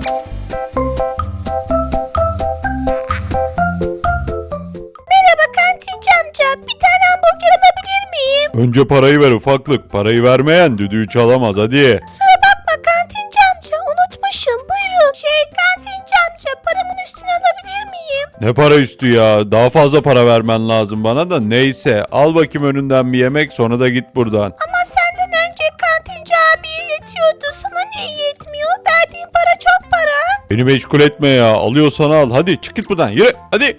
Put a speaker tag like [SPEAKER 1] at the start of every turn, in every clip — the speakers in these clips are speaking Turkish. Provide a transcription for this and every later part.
[SPEAKER 1] Merhaba kantinci amca. Bir tane hamburger alabilir miyim?
[SPEAKER 2] Önce parayı ver ufaklık. Parayı vermeyen düdüğü çalamaz hadi.
[SPEAKER 1] Kusura bakma kantinci amca. Unutmuşum. Buyurun. Kantinci amca, paramın üstünü alabilir miyim?
[SPEAKER 2] Ne para üstü ya? Daha fazla para vermen lazım bana da neyse. Al bakayım önünden bir yemek sonra da git buradan.
[SPEAKER 1] Ama senden önce kantinci abiye yetiyordu. Sana niye yetmiyor? Verdiğin para çok para.
[SPEAKER 2] Beni meşgul etme ya. Alıyorsan al. Hadi çık git buradan. Yürü hadi.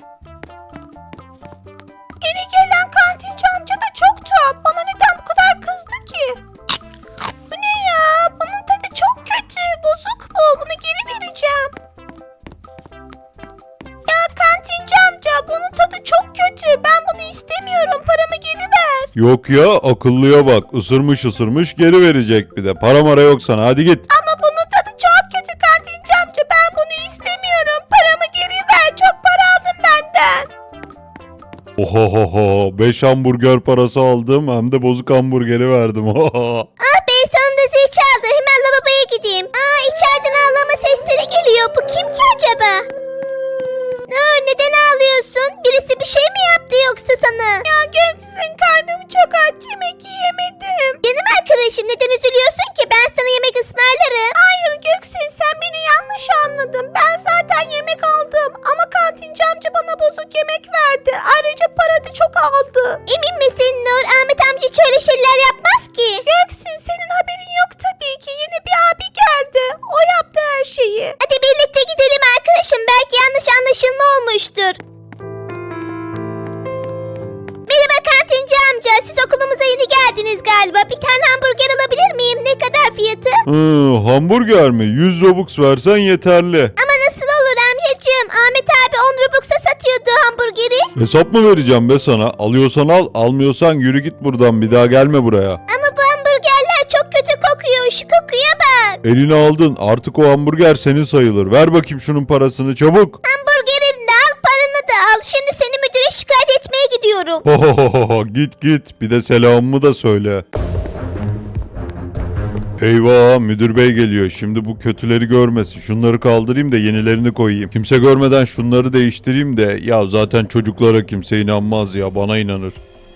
[SPEAKER 1] Yeni gelen kantinci amca da çok tuhaf. Bana neden bu kadar kızdı ki? Bu ne ya? Bunun tadı çok kötü. Bozuk bu. Bunu geri vereceğim. Ya kantinci amca, bunun tadı çok kötü. Ben bunu istemiyorum. Paramı geri ver.
[SPEAKER 2] Yok ya akıllıya bak. Isırmış ısırmış geri verecek bir de. Para mara yok sana. Hadi git.
[SPEAKER 1] Ama bunun tadı çok kötü kantinci amca. Ben bunu istemiyorum. Paramı geri ver. Çok para aldın benden.
[SPEAKER 2] Ohohoho. 5 hamburger parası aldım. Hem de bozuk hamburgeri verdim.
[SPEAKER 1] Ah be, sonunda zil çaldı. Hemen lavaboya gideyim. İçeriden ağlama sesleri geliyor. Bu kim ki acaba? Neden ağlıyorsun? Birisi bir şey mi yaptı yoksa sana? Ya Göksin, karnım çok aç. Yemek yiyemedim. Canım arkadaşım, neden üzülüyorsun ki? Ben sana yemek ısmarlarım. Hayır Göksin, sen beni yanlış anladın. Ben zaten yemek aldım. Ama kantinci amca bana bozuk yemek verdi. Ayrıca para da çok aldı. Emin misin Nur? Ahmet amca hiç öyle şeyler yapmaz ki. Göksin, senin haberin yok tabii ki. Yeni bir abi geldi. O yaptı her şeyi. Hadi birlikte gidelim arkadaşım. Belki yanlış anlaşılma olmuştur. Merhaba kantinci amca. Siz okulumuza yeni geldiniz galiba. Bir tane hamburger alabilir miyim? Ne kadar fiyatı?
[SPEAKER 2] Hamburger mi? 100 Robux versen yeterli.
[SPEAKER 1] Ama nasıl olur amcacığım? Ahmet abi 10 Robux'a satıyordu hamburgeri.
[SPEAKER 2] Hesap mı vereceğim be sana? Alıyorsan al, almıyorsan yürü git buradan. Bir daha gelme buraya.
[SPEAKER 1] Ama bu hamburgerler çok kötü kokuyor. Şu kokuya bak.
[SPEAKER 2] Elini aldın. Artık o hamburger senin sayılır. Ver bakayım şunun parasını çabuk.
[SPEAKER 1] Hamburgerini de al, paranı da al. Şimdi seni müdüre şikayet etmeye gidiyorum.
[SPEAKER 2] Git git. Bir de selamımı da söyle. Eyvah, müdür bey geliyor. Şimdi bu kötüleri görmesin. Şunları kaldırayım da yenilerini koyayım. Kimse görmeden şunları değiştireyim de. Ya zaten çocuklara kimse inanmaz ya. Bana inanır.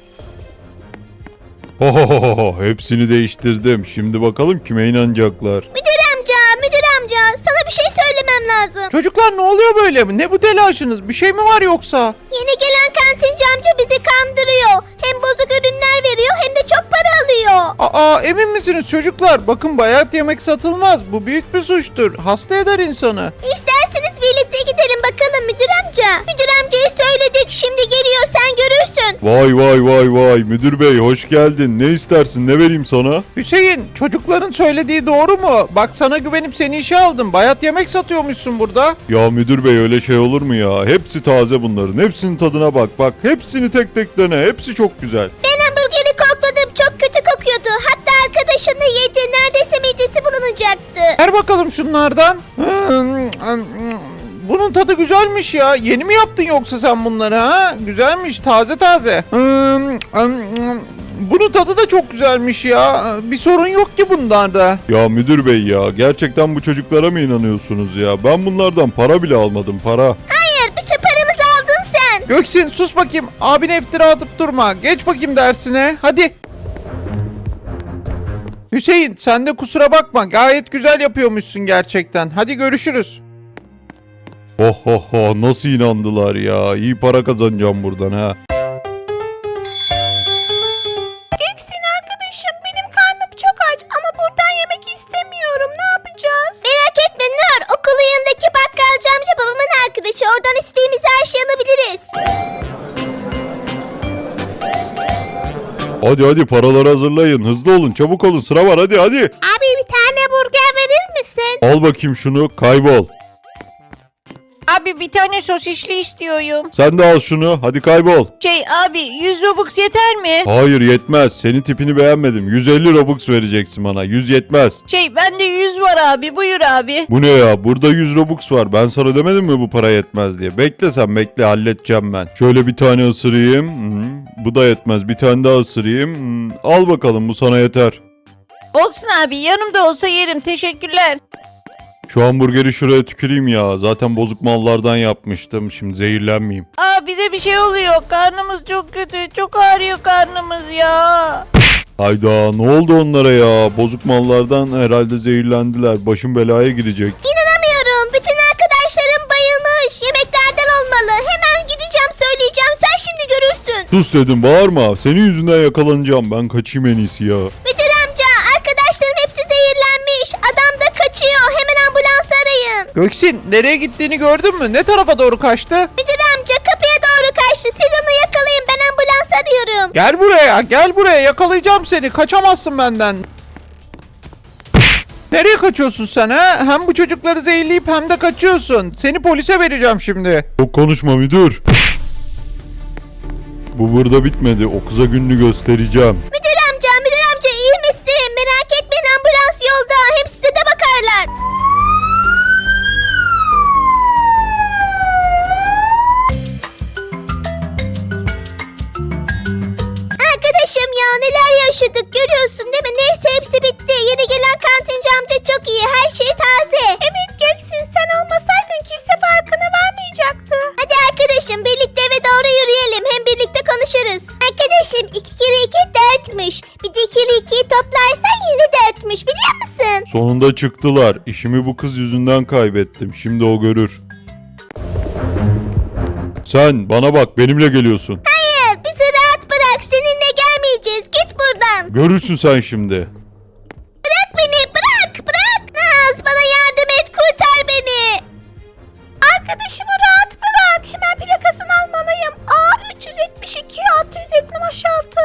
[SPEAKER 2] Hepsini değiştirdim. Şimdi bakalım kime inanacaklar.
[SPEAKER 1] Müdür amca, sana bir şey söylemem lazım.
[SPEAKER 3] Çocuklar ne oluyor böyle? Ne bu telaşınız? Bir şey mi var yoksa?
[SPEAKER 1] Yeni gelen kantinci amca bizi kandırıyor. Hem bozuk ürünler veriyor hem de çok para alıyor.
[SPEAKER 3] Emin misiniz çocuklar? Bakın bayat yemek satılmaz. Bu büyük bir suçtur. Hasta eder insanı.
[SPEAKER 1] İsterseniz birlikte gidelim bakalım müdür amca. Müdür amcaya söyledik, şimdi geliyor, sen görürsün.
[SPEAKER 2] Vay müdür bey hoş geldin. Ne istersin, ne vereyim sana?
[SPEAKER 3] Hüseyin, çocukların söylediği doğru mu? Bak sana güvenip seni işe aldım. Bayat yemek satıyormuşsun burada.
[SPEAKER 2] Ya müdür bey öyle şey olur mu ya? Hepsi taze bunların. Hepsinin tadına bak. Bak hepsini tek tek dene. Hepsi çok güzel.
[SPEAKER 1] Ben hamburgeri kokladım, çok kötü kokuyordu. Hatta arkadaşım da yedi, neredeyse midesi bulunacaktı.
[SPEAKER 3] Ver bakalım şunlardan. Bunun tadı güzelmiş ya. Yeni mi yaptın yoksa sen bunları ha? Güzelmiş, taze taze. Bunun tadı da çok güzelmiş ya. Bir sorun yok ki bunlarda.
[SPEAKER 2] Ya müdür bey ya gerçekten bu çocuklara mı inanıyorsunuz ya? Ben bunlardan para bile almadım para.
[SPEAKER 1] Hayır, bütün paramızı aldın sen.
[SPEAKER 3] Göksin sus bakayım. Abine iftira atıp durma. Geç bakayım dersine. Hadi. Hüseyin sen de kusura bakma. Gayet güzel yapıyormuşsun gerçekten. Hadi görüşürüz.
[SPEAKER 2] Nasıl inandılar ya? İyi para kazanacağım buradan ha.
[SPEAKER 1] Göksin arkadaşım, benim karnım çok aç ama buradan yemek istemiyorum. Ne yapacağız? Merak etme Nur. Okulun yanındaki bakkalcı amca babamın arkadaşı. Oradan istediğimiz her şeyi alabiliriz.
[SPEAKER 2] Hadi paraları hazırlayın. Hızlı olun çabuk olun sıra var hadi.
[SPEAKER 1] Abi bir tane burger verir misin?
[SPEAKER 2] Al bakayım şunu kaybol.
[SPEAKER 4] Abi bir tane sosisli istiyorum.
[SPEAKER 2] Sen de al şunu hadi kaybol.
[SPEAKER 4] Abi 100 Robux yeter mi?
[SPEAKER 2] Hayır yetmez. Senin tipini beğenmedim. 150 Robux vereceksin bana. 100 yetmez.
[SPEAKER 4] Bende 100 var abi, buyur abi.
[SPEAKER 2] Bu ne ya? Burada 100 Robux var. Ben sana demedim mi bu para yetmez diye? Bekle sen bekle halledeceğim ben. Şöyle bir tane ısırayım. Bu da yetmez. Bir tane daha ısırayım. Al bakalım bu sana yeter.
[SPEAKER 4] Olsun abi, yanımda olsa yerim, teşekkürler.
[SPEAKER 2] Şu hamburgeri şuraya tüküreyim ya. Zaten bozuk mallardan yapmıştım. Şimdi zehirlenmeyeyim.
[SPEAKER 4] Aa bize bir şey oluyor. Karnımız çok kötü. Çok ağrıyor karnımız ya.
[SPEAKER 2] Hayda, ne oldu onlara ya? Bozuk mallardan herhalde zehirlendiler. Başım belaya girecek.
[SPEAKER 1] İnanamıyorum. Bütün arkadaşlarım bayılmış. Yemeklerden olmalı. Hemen gideceğim söyleyeceğim. Sen şimdi görürsün.
[SPEAKER 2] Sus dedim, bağırma. Senin yüzünden yakalanacağım. Ben kaçayım en iyisi ya.
[SPEAKER 1] Müdür amca, arkadaşlarım hepsi zehirlenmiş. Adam da kaçıyor. Hemen ambulans arayın.
[SPEAKER 3] Göksin, nereye gittiğini gördün mü? Ne tarafa doğru kaçtı?
[SPEAKER 1] Müdür amca kapıya doğru kaçtı. Siz onu yakalayın. Ben ambulans arıyorum.
[SPEAKER 3] Gel buraya, gel buraya. Yakalayacağım seni. Kaçamazsın benden. Nereye kaçıyorsun sen ha? Hem bu çocukları zehirleyip hem de kaçıyorsun. Seni polise vereceğim şimdi.
[SPEAKER 2] Çok konuşma müdür. Bu burada bitmedi. O kıza gününü göstereceğim.
[SPEAKER 1] Müdür amca iyi misin? Merak etmeyin ambulans yolda. Hem size de bakarlar. Arkadaşım ya neler yaşadık görüyorsun değil mi? Neyse hepsi bitti. Yeni gelen kantinci amca çok iyi. Her şey taze. Evet Göksin sen olmasaydın kimse farkına varmayacaktı. Hadi arkadaşım birlikte eve doğru yürüyelim. Hem birlikte konuşuruz. Arkadaşım 2 kere 2 4'müş. Bir de 2 ile 2'yi toplarsan yine 4'müş biliyor musun?
[SPEAKER 2] Sonunda çıktılar. İşimi bu kız yüzünden kaybettim. Şimdi o görür. Sen bana bak, benimle geliyorsun.
[SPEAKER 1] Hayır bizi rahat bırak. Seninle gelmeyeceğiz. Git buradan.
[SPEAKER 2] Görürsün sen şimdi.
[SPEAKER 1] Bırak beni bırak. Naz bana yardım et kurtar beni. Arkadaşımı rahat bırak. Hemen plakasını almalıyım. A372 676.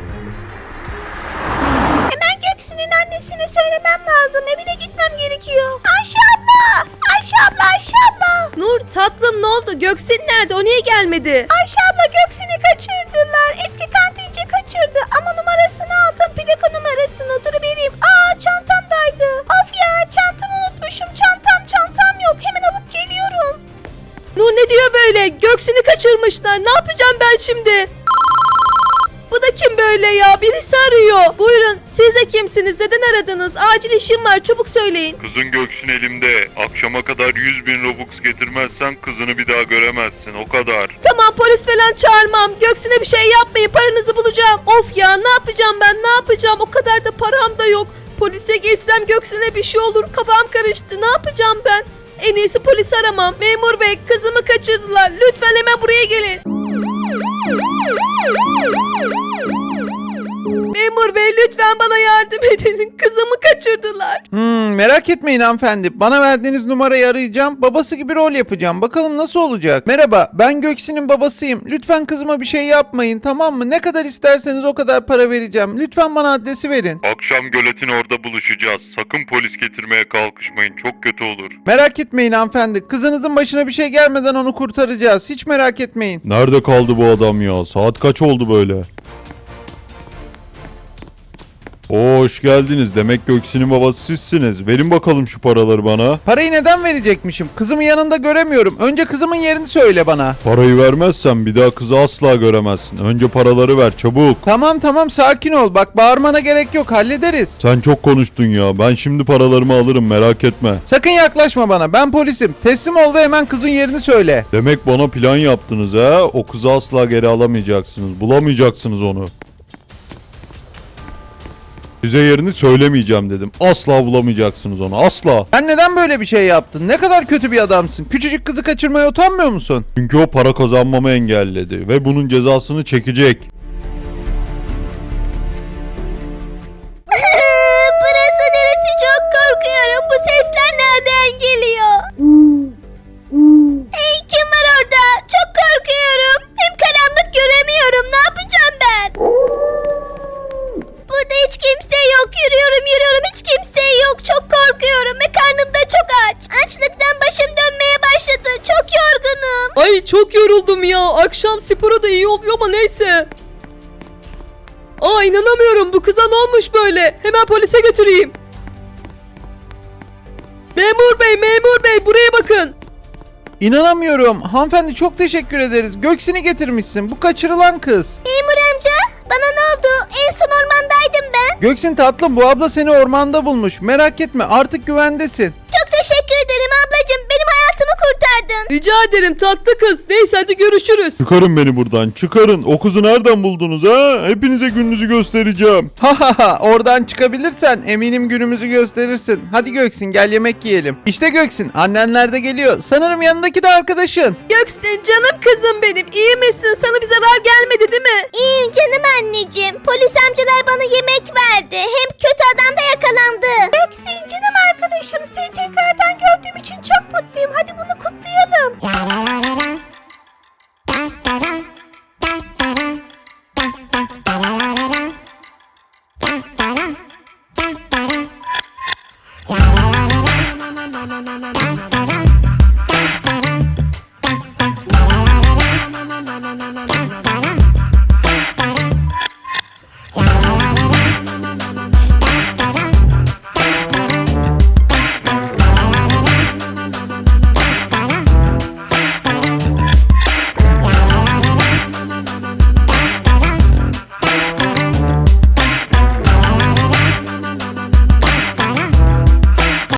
[SPEAKER 1] Hemen Göksu'nun annesine söylemem lazım. Evine gitmem gerekiyor. Ayşe abla.
[SPEAKER 5] Nur tatlım ne oldu? Göksin nerede? O niye gelmedi?
[SPEAKER 1] Ayşe abla Göksu'nu kaçırdılar. Eski kantinci kaçırdı ama numarasını aldım. Plaka numarasını. Dur vereyim. Çantamdaydı. Of ya çantamı unutmuşum. Çantam yok. Hemen alıp geliyorum.
[SPEAKER 5] Nur ne diyor böyle? Göksin'i kaçırmışlar. Ne yapacağım ben şimdi? Bu da kim böyle ya? Birisi arıyor. Buyurun. Siz de kimsiniz? Neden aradınız? Acil işim var. Çabuk söyleyin.
[SPEAKER 2] Kızın Göksin elimde. Akşama kadar 100.000 Robux getirmezsen kızını bir daha göremezsin. O kadar.
[SPEAKER 5] Tamam polis falan çağırmam. Göksin'e bir şey yapmayın. Paranızı bulacağım. Of ya ne yapacağım ben? Ne yapacağım? O kadar da param da yok. Polise geçsem Göksin'e bir şey olur. Kafam karıştı. Ne yapacağım ben? En iyisi polis aramam. Memur bey kızımı kaçırdılar. Lütfen hemen buraya gelin. Memur bey lütfen bana yardım edin. Kızımı kaçırdılar.
[SPEAKER 3] Merak etmeyin hanımefendi. Bana verdiğiniz numarayı arayacağım. Babası gibi rol yapacağım. Bakalım nasıl olacak? Merhaba, ben Göksin'in babasıyım. Lütfen kızıma bir şey yapmayın, tamam mı? Ne kadar isterseniz o kadar para vereceğim. Lütfen bana adresi verin.
[SPEAKER 2] Akşam göletin orada buluşacağız. Sakın polis getirmeye kalkışmayın. Çok kötü olur.
[SPEAKER 3] Merak etmeyin hanımefendi. Kızınızın başına bir şey gelmeden onu kurtaracağız. Hiç merak etmeyin.
[SPEAKER 2] Nerede kaldı bu adam ya? Saat kaç oldu böyle? Hoş geldiniz. Demek Göksin'in babası sizsiniz. Verin bakalım şu paraları bana.
[SPEAKER 3] Parayı neden verecekmişim? Kızımı yanında göremiyorum. Önce kızımın yerini söyle bana.
[SPEAKER 2] Parayı vermezsen bir daha kızı asla göremezsin. Önce paraları ver çabuk.
[SPEAKER 3] Tamam sakin ol. Bak bağırmana gerek yok. Hallederiz.
[SPEAKER 2] Sen çok konuştun ya. Ben şimdi paralarımı alırım, merak etme.
[SPEAKER 3] Sakın yaklaşma bana. Ben polisim. Teslim ol ve hemen kızın yerini söyle.
[SPEAKER 2] Demek bana plan yaptınız ha? O kızı asla geri alamayacaksınız. Bulamayacaksınız onu. Size yerini söylemeyeceğim dedim. Asla bulamayacaksınız onu. Asla.
[SPEAKER 3] Sen neden böyle bir şey yaptın? Ne kadar kötü bir adamsın. Küçücük kızı kaçırmaya utanmıyor musun?
[SPEAKER 2] Çünkü o para kazanmamı engelledi. Ve bunun cezasını çekecek.
[SPEAKER 1] Burası neresi çok korkuyorum. Bu sesler nereden geliyor? Hey kim var orada? Çok korkuyorum. Hem karanlık göremiyorum. Ne yapacağım ben? Burada hiç kimse yok. Yürüyorum hiç kimse yok. Çok korkuyorum ve karnım da çok aç. Açlıktan başım dönmeye başladı. Çok yorgunum.
[SPEAKER 5] Ay çok yoruldum ya. Akşam sporu da iyi oluyor ama neyse. Aa inanamıyorum. Bu kıza ne olmuş böyle? Hemen polise götüreyim. Memur bey buraya bakın.
[SPEAKER 3] İnanamıyorum. Hanımefendi çok teşekkür ederiz. Göksin'i getirmişsin. Bu kaçırılan kız.
[SPEAKER 1] Memur amca bana ne oldu? En son ormandaydım ben.
[SPEAKER 3] Göksin tatlım, bu abla seni ormanda bulmuş. Merak etme, artık güvendesin.
[SPEAKER 1] Çok teşekkür
[SPEAKER 5] Rica ederim tatlı kız. Neyse hadi görüşürüz.
[SPEAKER 2] Çıkarın beni buradan, çıkarın. O kızı nereden buldunuz ha? Hepinize gününüzü göstereceğim.
[SPEAKER 3] Ha ha ha, oradan çıkabilirsen eminim günümüzü gösterirsin. Hadi Göksin, gel yemek yiyelim. İşte Göksin, annenler de geliyor. Sanırım yanındaki de arkadaşın.
[SPEAKER 5] Göksin canım kızım benim. İyi misin? Sana bir zarar gelmedi değil mi?
[SPEAKER 1] İyiyim canım anneciğim. Polis amcalar bana yemek verdi. Hem kötü adam da yakalandı. Göksin canım arkadaşım, seni tekrardan